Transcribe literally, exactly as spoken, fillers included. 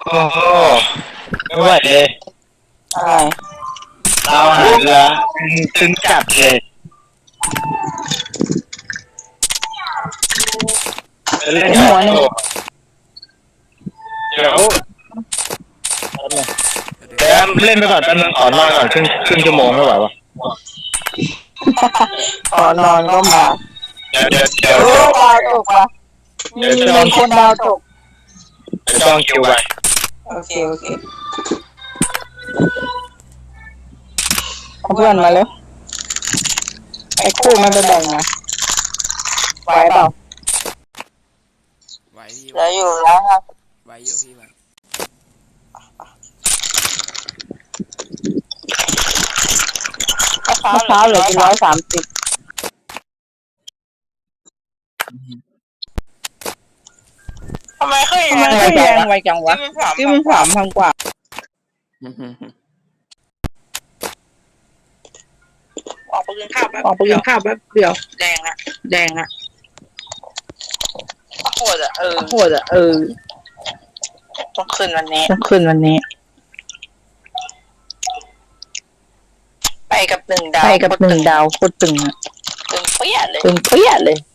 โอ้โหไม่ไหวเลยอะไรเราหาเรือตึงจัดเลยเล่นหัวหนึ่งเดี๋ยวเดี๋ยวเล่นไปก่อนแป๊บนึงขอนอนก่อนครึ่งครึ่งชั่วโมงไม่ไหววะขอนอนก็มาเดี๋ยวเดี๋ยวเดี๋ยวโอ้ดาวตกว่ะมีมีคนดาวตกเดี๋ยวต้องคิวไปโอเคโอเคเอาเพื่อนมาแล้วไอ้คู่มันไปแบ่งนะไหวเปล่าไหวพี่เหลืออยู่แล้วครับไหวอยู่พี่ไหวมะพร้าวเหลือกี่ร้อยสามสิบทำไมขึ้นทำไมขึ้นแรงไวจังวะที่มันสามพันกว่าออกไปกินข้าวแป๊บออกไปกินข้าวแป๊บเดียวแดงอะแดงอะโหดอะเออโหดอะเออต้องขึ้นวันนี้ต้องขึ้นวันนี้ไปกับหนึ่งดาวไปกับหนึ่งดาวโคตรตึงอะตึงเปี้ยเลยตึงเปี้ยเลย